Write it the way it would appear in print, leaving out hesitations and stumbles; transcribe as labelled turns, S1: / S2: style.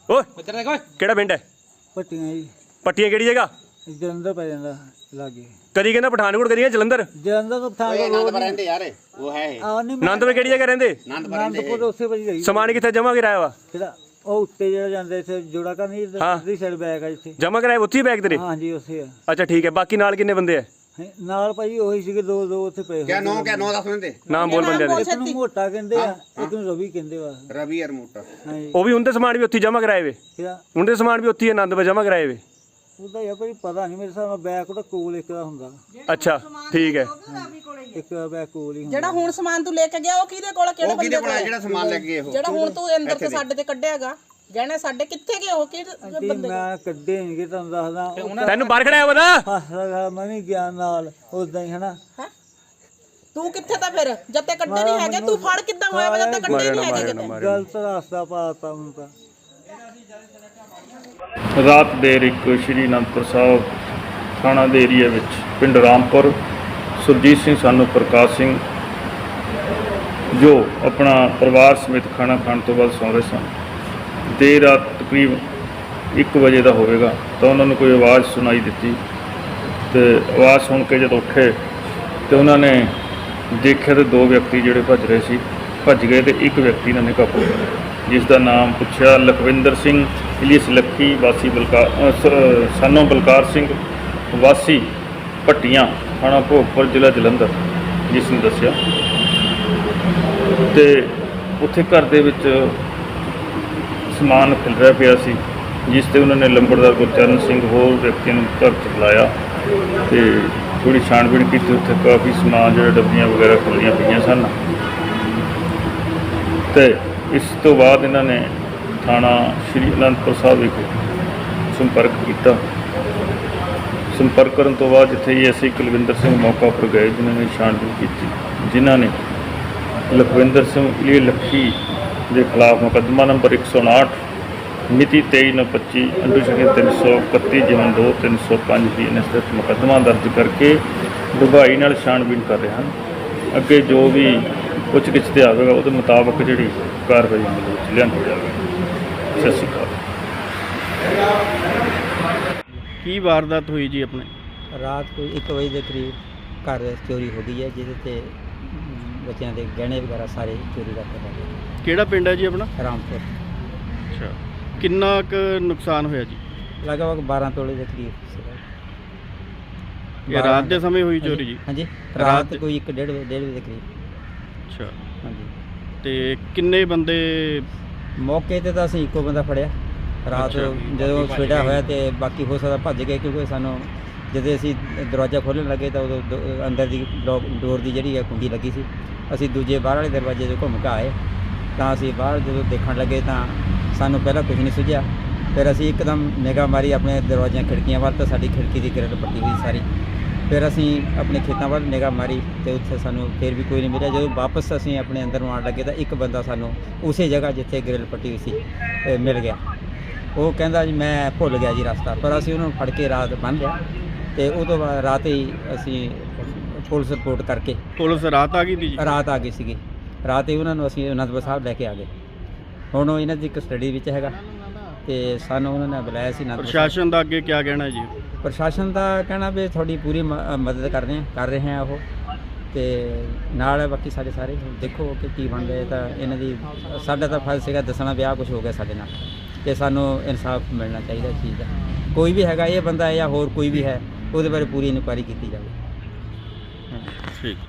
S1: ਓਏ ਕਿਹੜਾ ਪਿੰਡ ਹੈ?
S2: ਪੱਟੀਆਂ ਜੀ।
S1: ਪੱਟੀਆਂ ਕਿਹੜੀ ਜਗ੍ਹਾ?
S2: ਜਲੰਧਰ ਪੈ ਜਾਂਦਾ ਲਾਗੇ।
S1: ਕਦੀ ਕਹਿੰਦਾ ਪਠਾਨਕੋਟ, ਕਦੀ ਜਲੰਧਰ।
S2: ਜਲੰਧਰ ਤੋਂ ਪਠਾਨਕੋਟ
S3: ਰਹਿੰਦੇ ਯਾਰ ਉਹ ਹੈ
S1: ਆਨੰਦਪੁਰ ਕਿਹੜੀ ਜਗ੍ਹਾ ਰਹਿੰਦੇ?
S2: ਆਨੰਦਪੁਰ ਉਸੇ ਵਜੀ ਰਹੀ।
S1: ਸਮਾਨ ਕਿੱਥੇ ਜਮਾ ਕਰਾਇਆ ਵਾ?
S2: ਜਿਹੜਾ ਉਹ ਉੱਤੇ ਜਿਹੜਾ ਜਾਂਦੇ ਇੱਥੇ ਜੋੜਾ ਕਰ ਨਹੀਂ ਇਧਰਲੀ ਸਾਈਡ ਬੈਗ ਆ ਜਿੱਥੇ
S1: ਜਮਾ ਕਰਾਇਆ ਉੱਥੇ ਹੀ ਬੈਗ ਤੇਰੇ?
S2: ਹਾਂਜੀ ਉੱਥੇ ਆ।
S1: ਅੱਛਾ ਠੀਕ ਹੈ। ਬਾਕੀ ਨਾਲ ਕਿੰਨੇ ਬੰਦੇ ਆ?
S2: ਨਾਲ ਭਾਈ ਉਹੀ ਸੀਗੇ ਦੋ ਉੱਥੇ ਪਏ
S3: ਕਿਆ ਨੌ ਦੱਸ ਦਿੰਦੇ
S1: ਨਾਮ ਬੋਲ ਬੰਦਿਆਂ ਦੇ।
S2: ਇੱਕ ਨੂੰ ਮੋਟਾ ਕਹਿੰਦੇ ਆ, ਇੱਕ ਨੂੰ ਰਵੀ ਕਹਿੰਦੇ ਵਾ।
S3: ਰਵੀ ਯਾਰ ਮੋਟਾ।
S2: ਹਾਂਜੀ
S1: ਉਹ ਵੀ ਹੁੰਦੇ ਸਮਾਨ ਵੀ ਉੱਥੇ ਜਮਾ ਕਰਾਏ ਵੇ? ਹੁੰਦੇ ਸਮਾਨ ਵੀ ਉੱਥੇ ਹੀ ਆਨੰਦਪੁਰ ਜਮਾ ਕਰਾਏ ਵੇ?
S2: ਉਹਦਾ ਯਾਰ ਭਾਈ ਪਤਾ ਨਹੀਂ, ਮੇਰੇ ਹਿਸਾਬ ਨਾਲ ਬੈਗ ਉਹਦਾ ਕੋਲ ਇੱਕ ਦਾ ਹੁੰਦਾ।
S1: ਅੱਛਾ ਠੀਕ ਹੈ।
S2: ਇੱਕ ਬੈਗ ਕੋਲ ਹੀ ਹੁੰਦਾ।
S4: ਜਿਹੜਾ ਹੁਣ ਸਮਾਨ ਤੂੰ ਲੈ ਕੇ ਗਿਆ ਉਹ ਕਿਹਦੇ ਕੋਲ, ਕਿਹੜੇ ਬੰਦੇ ਕੋਲ?
S3: ਜਿਹੜਾ ਸਮਾਨ ਲੈ ਕੇ ਗਏ ਉਹ
S4: ਜਿਹੜਾ ਹੁਣ ਤੂੰ ਅੰਦਰ ਤੇ ਸਾਡੇ ਤੇ ਕੱਢਿਆਗਾ ਗਹਿਣੇ ਸਾਡੇ, ਕਿੱਥੇ ਗਏ ਉਹ? ਕਿਹੜੇ ਬੰਦੇ?
S2: ਮੈਂ ਕੱਢੇ ਨਹੀਂ ਤੁਹਾਨੂੰ ਦੱਸਦਾ।
S1: ਤੈਨੂੰ ਬਾਹਰ ਖੜਾਇਆ ਵਾ ਨਾ?
S2: ਹੱਸਦਾ ਮੈਂ ਵੀ ਗਿਆ ਨਾਲ ਉਦਾਂ ਹੀ ਹਨਾ।
S4: ਤੂੰ ਕਿੱਥੇ ਤਾਂ ਫਿਰ ਜਦ ਤੇ ਕੱਢੇ ਨਹੀਂ ਹੈਗੇ? ਤੂੰ ਫੜ ਕਿੱਦਾਂ ਹੋਇਆ ਜਦ ਤੇ ਕੱਢੇ ਨਹੀਂ ਹੈਗੇ ਕਿਤੇ?
S2: ਗਲਤ ਰਸਤਾ ਪਾਤਾ ਹੁਣ ਤਾਂ।
S5: ਰਾਤ ਦੇਰ ਇੱਕ ਸ਼੍ਰੀ ਅਨੰਦਪੁਰ ਸਾਹਿਬ ਥਾਣਾ ਦੇ ਏਰੀਆ ਵਿੱਚ ਪਿੰਡ ਰਾਮਪੁਰ ਸੁਰਜੀਤ ਸਿੰਘ ਸਾਨੂੰ ਪ੍ਰਕਾਸ਼ ਸਿੰਘ ਜੋ ਆਪਣਾ ਪਰਿਵਾਰ ਸਮੇਤ ਖਾਣਾ ਖਾਣ ਤੋਂ ਬਾਅਦ ਸੌਂ ਰਹੇ ਸਨ। ਦੇਰ ਰਾਤ ਤਕਰੀਬ 1 ਵਜੇ ਦਾ ਹੋਵੇਗਾ ਤਾਂ ਉਹਨਾਂ ਨੂੰ ਕੋਈ ਆਵਾਜ਼ ਸੁਣਾਈ ਦਿੱਤੀ ਤੇ ਆਵਾਜ਼ ਸੁਣ ਕੇ ਜਦੋਂ ਉੱਠੇ ਤੇ ਉਹਨਾਂ ਨੇ ਦੇਖਿਆ ਤੇ 2 ਵਿਅਕਤੀ ਜਿਹੜੇ ਭੱਜ ਗਏ ਤੇ ਇੱਕ ਵਿਅਕਤੀ ਇਹਨਾਂ ਨੇ ਕਾਬੂ ਕਰਿਆ, ਜਿਸ ਦਾ ਨਾਮ ਪੁੱਛਿਆ ਲਖਵਿੰਦਰ ਸਿੰਘ ਇਲੀਅਸ ਲੱਖੀ ਵਾਸੀ ਸਾਨੋ ਬਲਕਾਰ ਸਿੰਘ ਵਾਸੀ ਭੱਟੀਆਂ ਥਾਣਾ ਭੋਗਪੁਰ ਜ਼ਿਲ੍ਹਾ ਜਲੰਧਰ, ਜਿਸ ਨੇ ਦੱਸਿਆ ਤੇ ਉੱਥੇ ਘਰ ਦੇ ਵਿੱਚ ਸਮਾਨ ਖਿਲ ਰਿਹਾ ਪਿਆ ਸੀ, ਜਿਸ ਤੇ ਉਹਨਾਂ ਨੇ ਲੰਬੜਦਾਰ ਗੁਰਚਰਨ ਸਿੰਘ ਹੋਰ ਵਿਅਕਤੀਆਂ ਨੂੰ ਘਰ 'ਚ ਬੁਲਾਇਆ ਤੇ ਥੋੜ੍ਹੀ ਛਾਣਬੀਣ ਕੀਤੀ। ਉੱਥੇ ਕਾਫੀ ਸਮਾਨ ਜਿਹੜਾ ਡੱਬੀਆਂ ਵਗੈਰਾ ਖੁੱਲ੍ਹੀਆਂ ਪਈਆਂ ਸਨ ਤੇ ਇਸ ਤੋਂ ਬਾਅਦ ਇਹਨਾਂ ਨੇ ਥਾਣਾ ਸ਼੍ਰੀ ਅਨੰਦਪੁਰ ਸਾਹਿਬ ਵਿਖੇ ਸੰਪਰਕ ਕੀਤਾ। ਸੰਪਰਕ ਕਰਨ ਤੋਂ ਬਾਅਦ ਜਿੱਥੇ ਐਸਆਈ ਕੁਲਵਿੰਦਰ ਸਿੰਘ ਮੌਕਾ ਉੱਪਰ ਗਏ, ਜਿਨ੍ਹਾਂ ਨੇ ਛਾਣਬੀਣ ਕੀਤੀ, ਜਿਨ੍ਹਾਂ ਨੇ ਲਖਵਿੰਦਰ ਸਿੰਘ ਇਲੀਅਸ ਲੱਖੀ ਦੇ ਖਿਲਾਫ ਮੁਕੱਦਮਾ ਨੰਬਰ 159 ਮਿਤੀ 23/9/25 ਅੰਡਰ ਸੈਕਸ਼ਨ 331 ਜਿਮਨ 2 305 BNS ਦੇ ਮੁਕੱਦਮਾ ਦਰਜ ਕਰਕੇ ਡੂੰਘਾਈ ਨਾਲ ਛਾਣਬੀਣ ਕਰ ਰਹੇ ਹਨ। ਅੱਗੇ ਜੋ ਵੀ ਪੁੱਛ ਗਿੱਛ ਤੇ ਆਵੇਗਾ ਉਹਦੇ ਮੁਤਾਬਕ ਜਿਹੜੀ ਕਾਰਵਾਈ ਅਮਲ ਵਿੱਚ ਲਿਆਂਦੀ ਜਾਵੇਗੀ। ਸਤਿ ਸ਼੍ਰੀ ਅਕਾਲ। ਕੀ ਵਾਰਦਾਤ ਹੋਈ ਜੀ ਆਪਣੇ?
S6: ਰਾਤ ਕੋਈ 1 ਵਜੇ ਦੇ ਕਰੀਬ ਘਰ ਚੋਰੀ ਹੋ ਗਈ ਹੈ, ਜਿਹਦੇ ਤੇ ਬੱਚਿਆਂ ਦੇ ਗਹਿਣੇ ਵਗੈਰਾ ਸਾਰੇ ਚੋਰੀ ਕਰਕੇ ਲੈ ਗਏ।
S5: ਕਿਹੜਾ ਪਿੰਡ ਹੈ ਜੀ ਆਪਣਾ?
S6: ਰਾਮਪੁਰ।
S5: ਅੱਛਾ, ਕਿੰਨਾ ਕੁ ਨੁਕਸਾਨ ਹੋਇਆ ਜੀ?
S6: ਲਗਭਗ 12 ਤੋਲੇ ਦੇ ਕਰੀਬ ਸੀਗਾ।
S5: ਇਹ ਰਾਤ ਦੇ ਸਮੇਂ ਹੋਈ ਚੋਰੀ ਜੀ?
S6: ਹਾਂਜੀ, ਰਾਤ ਕੋਈ 1-1:30 ਵਜੇ ਦੇ ਕਰੀਬ।
S5: ਅੱਛਾ,
S6: ਹਾਂਜੀ।
S5: ਤੇ ਕਿੰਨੇ ਬੰਦੇ?
S6: ਮੌਕੇ ਤੇ ਤਾਂ ਅਸੀਂ ਇੱਕੋ ਬੰਦਾ ਫੜਿਆ ਰਾਤ। ਜਦੋਂ ਸਵੇਰਾ ਹੋਇਆ ਤੇ ਬਾਕੀ ਹੋ ਸਕਦਾ ਭੱਜ ਗਏ, ਕਿਉਂਕਿ ਸਾਨੂੰ ਜਦੋਂ ਅਸੀਂ ਦਰਵਾਜ਼ਾ ਖੋਲ੍ਹਣ ਲੱਗੇ ਤਾਂ ਉਦੋਂ ਅੰਦਰ ਦੀ ਡੋਰ ਦੀ ਜਿਹੜੀ ਹੈ ਕੁੰਡੀ ਲੱਗੀ ਸੀ। ਅਸੀਂ ਦੂਜੇ ਬਾਹਰ ਵਾਲੇ ਦਰਵਾਜ਼ੇ 'ਚੋਂ ਘੁੰਮ ਕੇ ਆਏ ਤਾਂ ਅਸੀਂ ਬਾਹਰ ਜਦੋਂ ਦੇਖਣ ਲੱਗੇ ਤਾਂ ਸਾਨੂੰ ਪਹਿਲਾਂ ਕੁਝ ਨਹੀਂ ਸੁਝਿਆ। ਫਿਰ ਅਸੀਂ ਇੱਕਦਮ ਨਿਗਾਹ ਮਾਰੀ ਆਪਣੇ ਦਰਵਾਜ਼ਿਆਂ ਖਿੜਕੀਆਂ ਵੱਲ, ਤਾਂ ਸਾਡੀ ਖਿੜਕੀ ਦੀ ਗ੍ਰਿਲ ਪੱਟੀ ਹੋਈ ਸਾਰੀ। ਫਿਰ ਅਸੀਂ ਆਪਣੇ ਖੇਤਾਂ ਵੱਲ ਨਿਗਾਹ ਮਾਰੀ ਤੇ ਉੱਥੇ ਸਾਨੂੰ ਫਿਰ ਵੀ ਕੋਈ ਨਹੀਂ ਮਿਲਿਆ। ਜਦੋਂ ਵਾਪਸ ਅਸੀਂ ਆਪਣੇ ਅੰਦਰ ਨੂੰ ਆਉਣ ਲੱਗੇ ਤਾਂ ਇੱਕ ਬੰਦਾ ਸਾਨੂੰ ਉਸੇ ਜਗ੍ਹਾ ਜਿੱਥੇ ਗ੍ਰਿਲ ਪੱਟੀ ਹੋਈ ਸੀ ਮਿਲ ਗਿਆ। ਉਹ ਕਹਿੰਦਾ ਜੀ ਮੈਂ ਭੁੱਲ ਗਿਆ ਜੀ ਰਸਤਾ, ਪਰ ਅਸੀਂ ਉਹਨੂੰ ਫੜ ਕੇ ਰਾਤ ਬੰਨ੍ਹ ਲਿਆ ਤੇ ਉਹ ਤੋਂ ਬਾਅਦ ਰਾਤ ਹੀ ਅਸੀਂ ਪੁਲਿਸ ਰਿਪੋਰਟ ਕਰਕੇ।
S5: ਪੁਲਿਸ ਰਾਤ ਆ ਗਈ ਸੀ ਜੀ?
S6: ਰਾਤ ਆ ਗਈ ਸੀਗੀ। ਰਾਤ ਹੀ ਉਹਨਾਂ ਨੂੰ ਅਸੀਂ ਅਨੰਦਪੁਰ ਸਾਹਿਬ ਲੈ ਕੇ ਆ ਗਏ। ਹੁਣ ਉਹ ਇਹਨਾਂ ਦੀ ਕਸਟਡੀ ਵਿੱਚ ਹੈਗਾ ਤੇ ਸਾਨੂੰ ਉਹਨਾਂ ਨੇ ਬੁਲਾਇਆ ਸੀ।
S5: ਪ੍ਰਸ਼ਾਸਨ ਦਾ ਅੱਗੇ ਕੀ ਕਹਿਣਾ ਜੀ?
S6: ਪ੍ਰਸ਼ਾਸਨ ਦਾ ਕਹਿਣਾ ਵੀ ਤੁਹਾਡੀ ਪੂਰੀ ਮਦਦ ਕਰ ਰਹੇ ਹਾਂ ਉਹ, ਤੇ ਨਾਲ ਬਾਕੀ ਸਾਡੇ ਸਾਰੇ ਦੇਖੋ ਕਿ ਕੀ ਬਣ ਰਿਹਾ। ਤਾਂ ਇਹਨਾਂ ਦੀ ਸਾਡਾ ਤਾਂ ਫਰਜ਼ ਸੀਗਾ ਦੱਸਣਾ ਵੀ ਆਹ ਕੁਛ ਹੋ ਗਿਆ ਸਾਡੇ ਨਾਲ, ਤੇ ਸਾਨੂੰ ਇਨਸਾਫ ਮਿਲਣਾ ਚਾਹੀਦਾ ਇਸ ਚੀਜ਼ ਦਾ। ਕੋਈ ਵੀ ਹੈਗਾ ਇਹ ਬੰਦਾ ਜਾਂ ਹੋਰ ਕੋਈ ਵੀ ਹੈ, ਉਹਦੇ ਬਾਰੇ ਪੂਰੀ ਇਨਕੁਆਇਰੀ ਕੀਤੀ ਜਾਵੇ।
S5: ਠੀਕ।